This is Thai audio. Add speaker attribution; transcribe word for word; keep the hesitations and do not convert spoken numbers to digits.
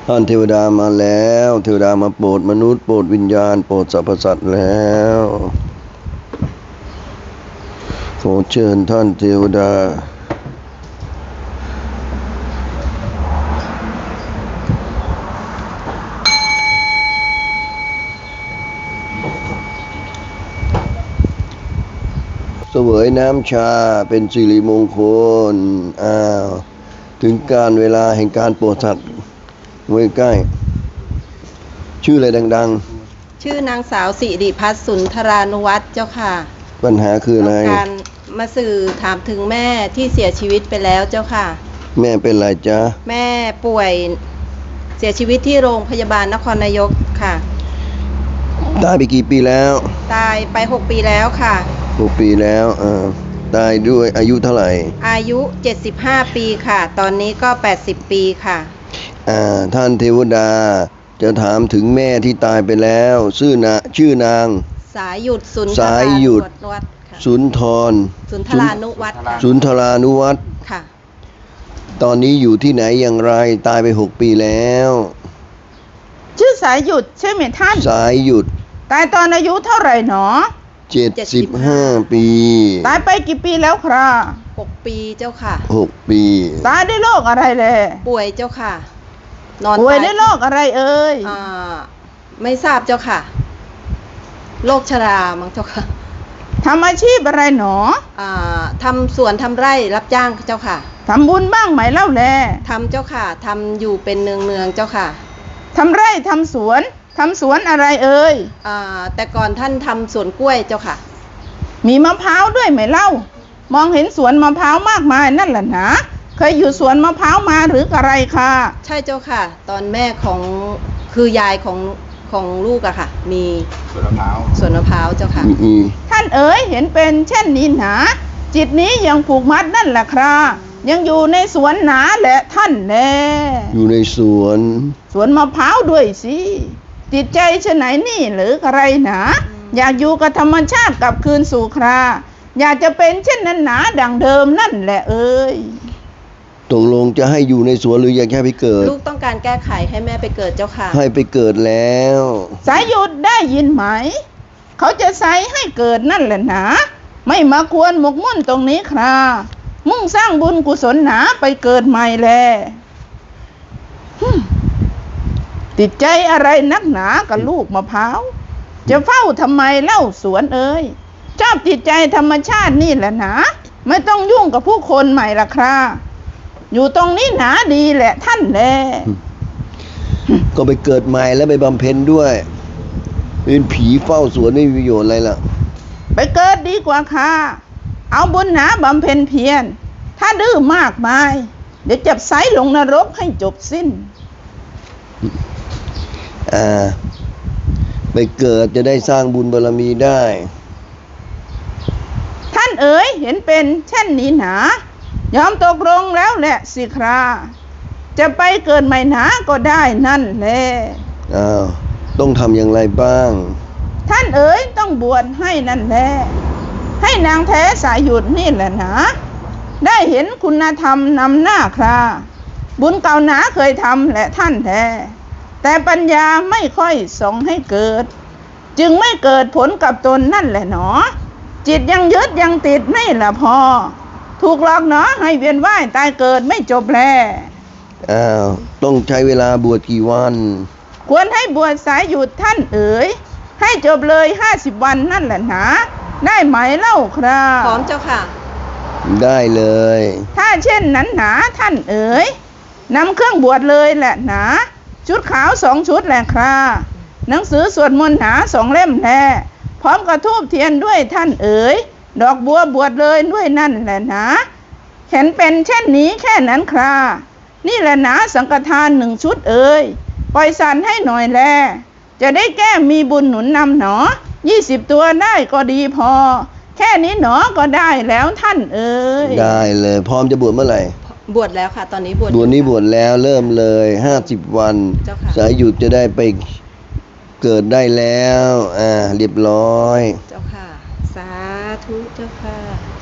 Speaker 1: ท่านเทวดามาแล้วเทวดามาโปรดมนุษย์โปรดวิญญาณโปรดสรรพสัตว์แล้วขอเชิญท่านเทวดาเสวยน้ำชาเป็นสิริมงคลอ้าวถึงการเวลาแห่งการโปรดสัตว์ไว้ใกล้ชื่ออะไรดัง
Speaker 2: ๆชื่อนางสาวสิริพัฒน์สุนทรานุวัฒน์เจ้าค่ะ
Speaker 1: ปัญหาคืออะไร
Speaker 2: ต้องการมาสื่อถามถึงแม่ที่เสียชีวิตไปแล้วเจ้าค่ะ
Speaker 1: แม่เป็นไรจ๊ะ
Speaker 2: แม่ป่วยเสียชีวิตที่โรงพยาบาลนครนายกค่ะ
Speaker 1: ตายไปกี่ปีแล้ว
Speaker 2: ตายไปหกปีแล้วค่ะ
Speaker 1: หกปีแล้วอ่าตายด้วยอายุเท่าไหร่
Speaker 2: อายุเจ็ดสิบห้าปีค่ะตอนนี้ก็แปดสิบปีค่ะ
Speaker 1: อ่าท่านเทวดาจะถามถึงแม่ที่ตายไปแล้วชื่อนะชื่อนาง
Speaker 2: สายหยุดสุนท
Speaker 1: รานุวัฒน์สุนทร
Speaker 2: สุนทรานุวัฒน์
Speaker 1: สุนทรานุวัฒน์
Speaker 2: ค่ะ
Speaker 1: ตอนนี้อยู่ที่ไหนอย่างไรตายไปหกปีแล้ว
Speaker 3: ชื่อสายหยุดใช่ไหมท่าน
Speaker 1: สายหยุด
Speaker 3: ตายตอนอายุเท่าไหร่หนอ
Speaker 1: เจ็ดสิบห้าปี
Speaker 3: ตายไปกี่ปีแล้วครับ
Speaker 2: หกปีเจ้าค่ะ
Speaker 1: หกปี
Speaker 3: ตายด้วยโรคอะไรเลย
Speaker 2: ป่วยเจ้าค่ะนอน
Speaker 3: ป่วยด้วยโรคอะไรเอ่ย
Speaker 2: อ่าไม่ทราบเจ้าค่ะโรคชรามั้งเจ้าค่ะ
Speaker 3: ทำอาชีพอะไรหนอ
Speaker 2: อ่าทำสวนทำไร่รับจ้างเจ้าค่ะ
Speaker 3: ทำบุญบ้างไหมเล่าแล
Speaker 2: ทำเจ้าค่ะทำอยู่เป็นเนืองเนืองเจ้าค่ะ
Speaker 3: ทำไร่ทำสวนทำสวนอะไรเอ่ย
Speaker 2: อ่าแต่ก่อนท่านทำสวนกล้วยเจ้าค่ะ
Speaker 3: มีมะพร้าวด้วยไหมเล่ามองเห็นสวนมะพร้าวมากมายนั่นแหละนะเคยอยู่สวนมะพร้าวมาหรืออะไรคะ
Speaker 2: ใช่เจ้าค่ะตอนแม่ของคือยายของของลูกอะค่ะมี
Speaker 4: สวนมะพร้าว
Speaker 2: สวนมะพร้าวเจ้าค่ะ
Speaker 3: ท่านเอ๋ยเห็นเป็นเช่นนี้หนาจิตนี้ยังผูกมัดนั่นแหละครับยังอยู่ในสวนหนาแหละท่านแน่
Speaker 1: อยู่ในสวน
Speaker 3: สวนมะพร้าวด้วยสิจิตใจชะไหนนี่หรืออะไรหนาอยากอยู่กับธรรมชาติกลับคืนสู่คราอยากจะเป็นเช่นนั้นหนาดังเดิมนั่นแหละเอ้ย
Speaker 1: ตกลงจะให้อยู่ในสวนหรืออยากแค่ไปเกิด
Speaker 2: ลูกต้องการแก้ไขให้แม่ไปเกิดเจ้าค่ะ
Speaker 1: ให้ไปเกิดแล้ว
Speaker 3: สายหยุดได้ยินไหมเขาจะใส่ให้เกิดนั่นแหละหนาไม่มาควรหมกมุ่นตรงนี้ครามุ่งสร้างบุญกุศลหนาไปเกิดใหม่แลติดใจอะไรนักหนากับลูกมะพร้าวจะเฝ้าทำไมเล่าสวนเอ้ยชอบติดใจธรรมชาตินี่แหละหนาไม่ต้องยุ่งกับผู้คนใหม่ละคราอยู่ตรงนี้หนาดีแหละท่านแล
Speaker 1: ก็ไปเกิดใหม่แล้วไปบำเพ็ญด้วยเป็นผีเฝ้าสวนไม่มีประโยชน์อะไรล่ะ
Speaker 3: ไปเกิดดีกว่าค่ะเอาบุญหนาบำเพ็ญเพียรถ้าดื้อมากมายเดี๋ยวจับไซลงนรกให้จบสิ้น
Speaker 1: อ่าไปเกิดจะได้สร้างบุญบารมีได้
Speaker 3: ท่านเอ๋ยเห็นเป็นเช่นนี้หนายอมตกลงแล้วแหละสิคราจะไปเกิดใหม่หนาก็ได้นั่นแหละ
Speaker 1: อ้าวต้องทำอย่างไรบ้าง
Speaker 3: ท่านเอ๋ยต้องบวชให้นั่นแหละให้นางแท้สายหยุดนี่แหละนะได้เห็นคุณธรรมนำหน้าคราบุญเก่าหนาเคยทำแหละท่านแท้แต่ปัญญาไม่ค่อยส่งให้เกิดจึงไม่เกิดผลกับตนนั่นแหละหนอจิตยังยึดยังติดไม่ละพอถูกหลอกหนอให้เวียนว่ายตายเกิดไม่จบแล
Speaker 1: อ้าวต้องใช้เวลาบวชกี่วัน
Speaker 3: ควรให้บวชสายหยุดท่านเอ๋ยให้จบเลยห้าสิบวันนั่นแหละนะได้ไหมเล่าครับ
Speaker 2: พร้อมเจ้าค่ะ
Speaker 1: ได้เลย
Speaker 3: ถ้าเช่นนั้นหนาท่านเอ๋ยนำเครื่องบวชเลยแหละหนาชุดขาวสองชุดแหละครับหนังสือสวดมนต์หนาสองเล่มแท้พร้อมกระทูบเทียนด้วยท่านเอ๋ยดอกบัวบวชเลยด้วยนั่นแหละนะเห็นเป็นเช่นนี้แค่นั้นครับนี่แหละนะสังฆทานหนึ่งชุดเอ๋ยปล่อยสันให้หน่อยแลจะได้แก้มีบุญหนุนนำหนอยี่สิบตัวได้ก็ดีพอแค่นี้หนอก็ได้แล้วท่านเอ๋ย
Speaker 1: ได้เลยพร้อมจะบวชเมื่อไหร่
Speaker 2: บวชแล้วค่ะตอนนี้บวช
Speaker 1: บวชนี้บวชแล้วเริ่มเลยห้าสิบวันสายหยุดจะได้ไปเกิดได้แล้วอ่าเรียบร้อย
Speaker 2: เจ้าค่ะสาธุเจ้าค่ะ